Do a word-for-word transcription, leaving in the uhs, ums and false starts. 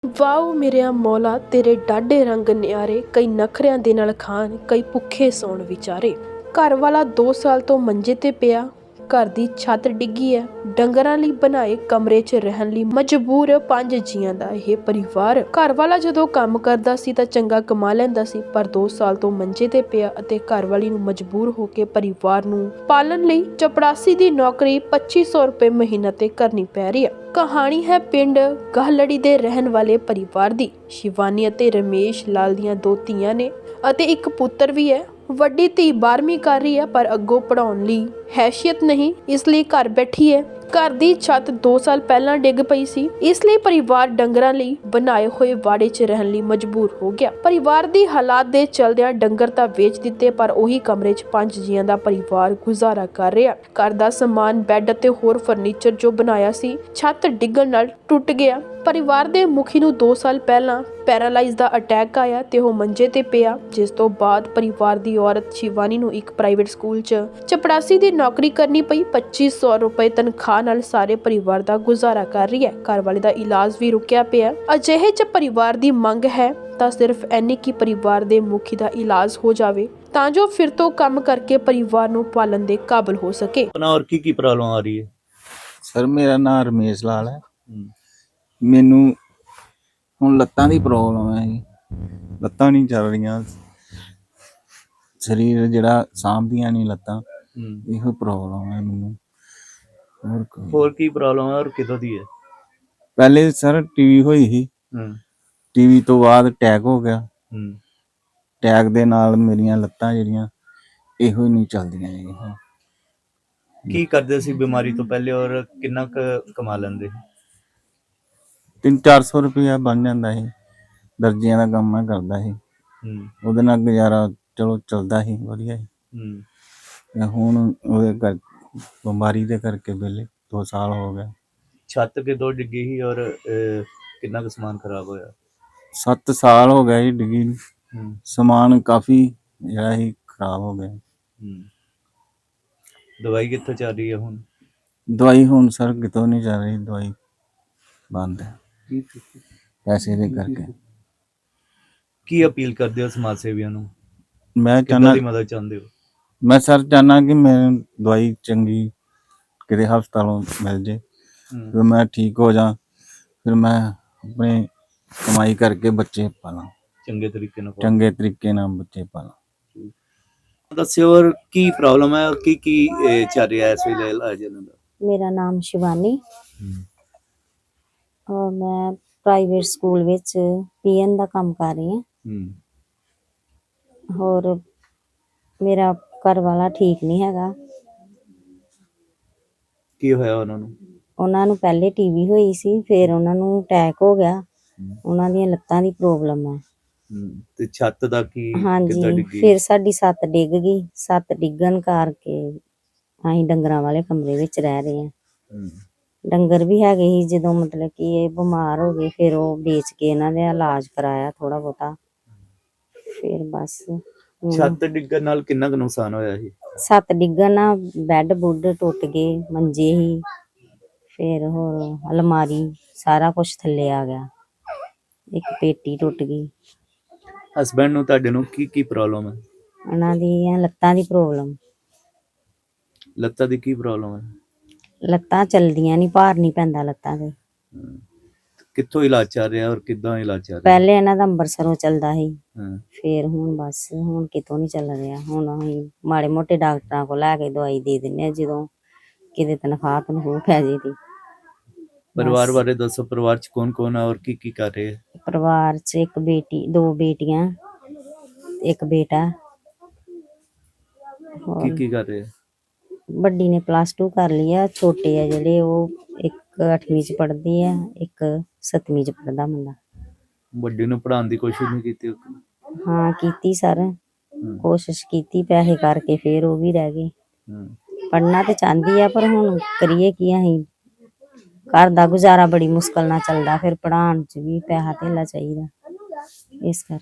Wow ਮੇਰਿਆ ਮੌਲਾ ਤੇਰੇ ਡਾਢੇ ਰੰਗ ਨਿਆਰੇ, ਕਈ ਨਖਰਿਆਂ ਦੇ ਨਾਲ ਖਾਣ, ਕਈ ਭੁੱਖੇ ਸੌਣ ਵਿਚਾਰੇ। ਘਰ ਵਾਲਾ ਦੋ ਸਾਲ ਤੋਂ ਮੰਜੇ ਤੇ ਪਿਆ, ਘਰ ਦੀ ਛੱਤ ਡਿੱਗੀ ਹੈ, ਡੰਗਰਾਂ ਲਈ ਬਣਾਏ ਕਮਰੇ 'ਚ ਰਹਿਣ ਲਈ ਮਜਬੂਰ ਪੰਜ ਜੀਆਂ ਦਾ ਇਹ ਪਰਿਵਾਰ। ਘਰ ਵਾਲਾ ਜਦੋਂ ਕੰਮ ਕਰਦਾ ਸੀ ਤਾਂ ਚੰਗਾ ਕਮਾ ਲੈਂਦਾ ਸੀ, ਪਰ ਦੋ ਸਾਲ ਤੋਂ ਮੰਜੇ ਤੇ ਪਿਆ ਅਤੇ ਘਰ ਵਾਲੀ ਨੂੰ ਮਜਬੂਰ ਹੋ ਕੇ ਪਰਿਵਾਰ ਨੂੰ ਪਾਲਣ ਲਈ ਚਪੜਾਸੀ ਦੀ ਨੌਕਰੀ ਪੱਚੀ ਸੌ ਰੁਪਏ ਮਹੀਨਾ ਤੇ ਕਰਨੀ ਪੈ ਰਹੀ ਹੈ। ਕਹਾਣੀ ਹੈ ਪਿੰਡ ਗਾਹਲੜੀ ਦੇ ਰਹਿਣ ਵਾਲੇ ਪਰਿਵਾਰ ਦੀ। ਸ਼ਿਵਾਨੀ ਅਤੇ ਰਮੇਸ਼ ਲਾਲ ਦੀਆਂ ਦੋ ਧੀਆਂ ਨੇ ਅਤੇ ਇੱਕ ਪੁੱਤਰ ਵੀ ਹੈ। ਵੱਡੀ ਧੀ ਬਾਰਵੀਂ ਕਰ ਰਹੀ ਹੈ, ਪਰ ਅੱਗੋਂ ਪੜਾਉਣ ਲਈ ਹੈਸੀਅਤ ਨਹੀਂ, ਇਸ ਲਈ ਘਰ ਬੈਠੀ ਹੈ। ਘਰ ਦੀ ਛੱਤ ਦੋ ਸਾਲ ਪਹਿਲਾਂ ਡਿੱਗ ਪਈ ਸੀ, ਇਸ ਲਈ ਪਰਿਵਾਰ ਡੰਗਰਾਂ ਲਈ ਬਣਾਏ ਹੋਏ ਵਾੜੇ 'ਚ ਰਹਿਣ ਲਈ ਮਜਬੂਰ ਹੋ ਗਿਆ। ਪਰਿਵਾਰ ਦੀ ਹਾਲਾਤ ਦੇ ਚਲਦਿਆਂ ਡੰਗਰ ਤਾਂ ਵੇਚ ਦਿੱਤੇ, ਪਰ ਉਹੀ ਕਮਰੇ 'ਚ ਪੰਜ ਜੀਆਂ ਦਾ ਪਰਿਵਾਰ ਗੁਜ਼ਾਰਾ ਕਰ ਰਿਹਾ। ਘਰ ਦਾ ਸਮਾਨ, ਬੈੱਡ ਅਤੇ ਹੋਰ ਫਰਨੀਚਰ ਜੋ ਬਣਾਇਆ ਸੀ, ਛੱਤ ਡਿੱਗਣ ਨਾਲ ਟੁੱਟ ਗਿਆ। ਪਰਿਵਾਰ ਦੇ ਮੁਖੀ ਨੂੰ ਦੋ ਸਾਲ ਪਹਿਲਾਂ ਪੈਰਾਲਾਈਜ਼ ਦਾ ਅਟੈਕ ਆਇਆ ਤੇ ਉਹ ਮੰਜੇ ਤੇ ਪਿਆ, ਜਿਸ ਤੋਂ ਬਾਅਦ ਪਰਿਵਾਰ ਦੀ ਔਰਤ ਸ਼ਿਵਾਨੀ ਨੂੰ ਇੱਕ ਪ੍ਰਾਈਵੇਟ ਸਕੂਲ 'ਚ ਚਪੜਾਸੀ ਦੀ ਨੌਕਰੀ ਕਰਨੀ ਪਈ। ਪੱਚੀ ਸੌ ਰੁਪਏ ਤਨਖਾਹ ਨਾਲ ਸਾਰੇ ਪਰਿਵਾਰ ਦਾ ਗੁਜ਼ਾਰਾ ਕਰ ਰਹੀ ਹੈ। ਘਰ ਵਾਲੇ ਦਾ ਇਲਾਜ ਵੀ ਰੁਕਿਆ ਪਿਆ। ਅਜਿਹੇ 'ਚ ਪਰਿਵਾਰ ਦੀ ਮੰਗ ਹੈ ਤਾਂ ਸਿਰਫ ਇੰਨੀ ਕਿ ਪਰਿਵਾਰ ਦੇ ਮੁਖੀ ਦਾ ਇਲਾਜ ਹੋ ਜਾਵੇ, ਤਾਂ ਜੋ ਫਿਰ ਤੋਂ ਕੰਮ ਕਰਕੇ ਪਰਿਵਾਰ ਨੂੰ ਪਾਲਣ ਦੇ ਕਾਬਿਲ ਹੋ ਸਕੇ। और की की प्रॉब्लम आ रही है? ਸਰ ਮੇਰਾ ਨਾਮ ਰਮੇਸ਼ ਲਾਲ ਹੈ। ਮੈਨੂੰ ਹੁਣ ਲੱਤਾਂ ਦੀ ਪ੍ਰੋਬਲਮ ਹੈ ਜੀ, ਲੱਤਾਂ ਨਹੀਂ ਚੱਲ ਰਹੀਆਂ, ਸਰੀਰ ਜਿਹੜਾ ਸਾਂਭਦੀਆਂ ਨਹੀਂ ਲੱਤਾਂ, ਇਹੋ ਪ੍ਰੋਬਲਮ ਹੈ ਮੈਨੂੰ। ਹੋਰ ਕੋਈ ਹੋਰ ਕੀ ਪ੍ਰੋਬਲਮ ਹੈ ਔਰ ਕਿਦੋਂ ਦੀ ਹੈ? ਪਹਿਲੇ ਸਰ ਟੀਵੀ ਹੋਈ ਸੀ, ਟੀਵੀ ਤੋਂ ਬਾਅਦ ਅਟੈਕ ਹੋ ਗਿਆ। ਅਟੈਕ ਦੇ ਨਾਲ ਮੇਰੀਆਂ ਲੱਤਾਂ ਜਿਹੜੀਆਂ ਇਹੋ ਹੀ ਨਹੀਂ ਚੱਲਦੀਆਂ ਜੀ। ਕੀ ਕਰਦੇ ਸੀ ਬਿਮਾਰੀ ਤੋਂ ਪਹਿਲੇ ਔਰ ਕਿੰਨਾ ਕੁ ਕਮਾ ਲੈਂਦੇ? ਤਿੰਨ ਚਾਰ ਸੌ ਰੁਪਇਆ ਬਣ ਜਾਂਦਾ ਸੀ। ਦਰਜੀਆਂ ਦਾ ਕੰਮ ਮੈਂ ਕਰਦਾ ਸੀ, ਉਹਦੇ ਨਾਲ ਗੁਜ਼ਾਰਾ ਚਲੋ ਚੱਲਦਾ ਸੀ ਵਧੀਆ ਸੀ। ਹੁਣ ਉਹਦੇ ਕਰ ਬਿਮਾਰੀ ਦੇ ਕਰਕੇ ਵਿਹਲੇ ਦੋ ਸਾਲ ਹੋ ਗਏ। ਛੱਤ ਕਿਦੋਂ ਡਿੱਗੀ ਸੀ ਔਰ ਕਿੰਨਾ ਕੁ ਸਮਾਨ ਖਰਾਬ ਹੋਇਆ? ਸੱਤ ਸਾਲ ਹੋ ਗਏ ਜੀ ਡਿੱਗੀ ਨੂੰ। ਸਮਾਨ ਕਾਫੀ ਜਿਹੜਾ ਸੀ ਖਰਾਬ ਹੋ ਗਿਆ। ਦਵਾਈ ਕਿੱਥੋਂ ਚੱਲ ਰਹੀ ਹੈ ਹੁਣ? ਦਵਾਈ ਹੁਣ ਸਰ ਕਿਤੋਂ ਨਹੀਂ ਚੱਲ ਰਹੀ, ਦਵਾਈ ਬੰਦ ਹੈ ਪੈਸੇ ਦੇ ਕਰਕੇ। ਕੀ ਅਪੀਲ ਕਰਦੇ ਹੋ ਸਮਾਜ ਸੇਵੀਆਂ ਨੂੰ? ਮੈਂ ਕਿੱਦਾਂ ਚਾਹੁੰਦਾ ਦੀ ਮਦਦ ਚਾਹੁੰਦੇ ਹੋ? ਮੈਂ ਸਰ ਚਾਹੁੰਦਾ ਕਿ ਮੈਨੂੰ ਦਵਾਈ ਚੰਗੀ ਕਿਤੇ ਹਸਪਤਾਲੋਂ ਮਿਲ ਜੇ, ਫਿਰ ਮੈਂ ਠੀਕ ਹੋ ਜਾ, ਫਿਰ ਮੈਂ ਆਪਣੇ ਕਮਾਈ ਕਰਕੇ ਬੱਚੇ ਪਾਲਾਂ ਚੰਗੇ ਤਰੀਕੇ ਨਾਲ ਚੰਗੇ ਤਰੀਕੇ ਨਾਲ ਬੱਚੇ ਪਾਲਾਂ। ਦੱਸਿਓ ਔਰ ਕੀ ਪ੍ਰੋਬਲਮ ਹੈ ਔਰ ਕੀ ਕੀ ਚੱਲ ਰਿਹਾ ਇਸ ਵੇਲੇ ਇਲਾਜ ਇਹਨਾਂ ਦਾ? ਮੇਰਾ ਨਾਮ ਸ਼ਿਵਾਨੀ ਔਰ ਮੈਂ ਪ੍ਰਾਈਵੇਟ ਸਕੂਲ ਵਿੱਚ ਪੀਐਨ ਦਾ ਕੰਮ ਕਰ ਰਹੀ ਹਾਂ। ਹੋਰ ਮੇਰਾ ਘਰ ਵਾਲਾ ਠੀਕ ਨਹੀਂ ਹੈਗਾ। ਕੀ ਹੋਇਆ ਉਹਨਾਂ ਨੂੰ? ਉਹਨਾਂ ਨੂੰ ਪਹਿਲੇ ਟੀਵੀ ਹੋਈ ਸੀ, ਫਿਰ ਉਹਨਾਂ ਨੂੰ ਅਟੈਕ ਹੋ ਗਿਆ। ਉਹਨਾਂ ਦੀਆਂ ਲੱਤਾਂ ਦੀ ਪ੍ਰੋਬਲਮ ਹੈ। ਤੇ ਛੱਤ ਦਾ ਕੀ? ਹਾਂਜੀ, ਫਿਰ ਸਾਡੀ ਛੱਤ ਡਿੱਗ ਗਈ। ਛੱਤ ਡਿੱਗਣ ਕਰਕੇ ਅਸੀਂ ਡੰਗਰਾਂ ਵਾਲੇ ਕਮਰੇ ਵਿੱਚ ਰਹਿ ਰਹੇ ਹਾਂ। ਡੰਗਰ ਵੀ ਹੈਗੇ ਸੀ, ਜਦੋਂ ਮਤਲਬ ਕਿ ਇਹ ਬਿਮਾਰ ਹੋ ਗਏ, ਫਿਰ ਉਹ ਵੇਚ ਕੇ ਇਹਨਾਂ ਦਾ ਇਲਾਜ ਕਰਾਇਆ ਥੋੜਾ ਬਹੁਤਾ। ਫਿਰ ਬਸ ਛੱਤ ਡਿੱਗਣ ਨਾਲ ਕਿੰਨਾ ਕੁ ਨੁਕਸਾਨ ਹੋਇਆ ਸੀ? ਛੱਤ ਡਿੱਗਣ ਨਾਲ ਬੈੱਡ ਬੁੱਡ ਟੁੱਟ ਗਏ, ਮੰਜੇ ਹੀ, ਫਿਰ ਹੋਰ ਅਲਮਾਰੀ, ਸਾਰਾ ਕੁਛ ਥੱਲੇ ਆ ਗਿਆ। ਇੱਕ ਪੇਟੀ ਟੁੱਟ ਗਈ। ਹਸਬੈਂਡ ਨੂੰ ਤੁਹਾਡੇ ਨੂੰ ਕੀ ਕੀ ਪ੍ਰੋਬਲਮ ਹੈ? ਉਹਨਾਂ ਦੀਆਂ ਲੱਤਾਂ ਦੀ ਪ੍ਰੋਬਲਮ। ਲੱਤਾਂ ਦੀ ਕੀ ਪ੍ਰੋਬਲਮ ਹੈ? ਲੱਤਾਂ ਚਲਦੀਆਂ ਨਹੀਂ, ਭਾਰ ਨਹੀਂ ਪੈਂਦਾ ਲੱਤਾਂ ਤੇ। ਕਿੱਥੋਂ ਇਲਾਜ ਚੱਲ ਰਿਹਾ ਔਰ ਕਿੱਦਾਂ ਇਲਾਜ ਚੱਲ ਰਿਹਾ? ਪਹਿਲੇ ਇਹਨਾਂ ਦਾ ਅੰਬਰਸਰੋਂ ਚੱਲਦਾ ਸੀ, ਫਿਰ ਹੁਣ ਬਸ ਹੁਣ ਕਿਤੋਂ ਨਹੀਂ ਚੱਲ ਰਿਹਾ। ਹੁਣ ਅਸੀਂ ਮਾੜੇ ਮੋਟੇ ਡਾਕਟਰਾਂ ਕੋਲ ਲੈ ਕੇ ਦਵਾਈ ਦੇ ਦਿੰਦੇ ਹਾਂ, ਜਦੋਂ ਕਿਤੇ ਤਨਖਾਹ ਤਨਖੂਹ ਪੈ ਜੇ ਦੀ। ਪਰਿਵਾਰ ਬਾਰੇ ਦੱਸੋ, ਪਰਿਵਾਰ ਚ ਕੌਣ ਕੌਣ ਹੈ ਔਰ ਕੀ ਕੀ ਕਰ ਰਹੇ? ਪਰਿਵਾਰ ਚ ਇੱਕ ਬੇਟੀ, ਦੋ ਬੇਟੀਆਂ, ਇੱਕ ਬੇਟਾ। ਕੀ ਕੀ ਕਰ ਰਹੇ? ਵੱਡੀ ਨੇ ਪਲੱਸ ਟੂ ਕਰ ਲਈ ਆ, ਛੋਟੇ ਆ ਜਿਹੜੇ ਉਹ ਇੱਕ ਅੱਠਵੀਂ ਚ ਪੜ੍ਹਦੀ ਆ, ਇੱਕ ਸੱਤਵੀਂ ਚ ਪੜ੍ਹਦਾ ਮੁੰਡਾ। ਵੱਡੀ ਨੂੰ ਪੜ੍ਹਾਉਣ ਦੀ ਕੋਸ਼ਿਸ਼ ਨਹੀਂ ਕੀਤੀ? ਹਾਂ ਕੀਤੀ ਸਰ, ਕੋਸ਼ਿਸ਼ ਕੀਤੀ, ਪੈਸੇ ਕਰਕੇ ਫਿਰ ਉਹ ਵੀ ਰਹਿ ਗਏ। ਪੜ੍ਹਨਾ ਤੇ ਚਾਹੁੰਦੀ ਆ, ਪਰ ਹੁਣ ਕਰੀਏ ਕੀ ਅਸੀਂ, ਘਰ ਦਾ ਗੁਜ਼ਾਰਾ ਬੜੀ ਮੁਸ਼ਕਲ ਨਾਲ ਚੱਲਦਾ, ਫਿਰ ਪੜ੍ਹਾਉਣ ਚ ਵੀ ਪੈਸਾ ਧੇਲਾ ਚਾਹੀਦਾ, ਇਸ ਕਰਕੇ।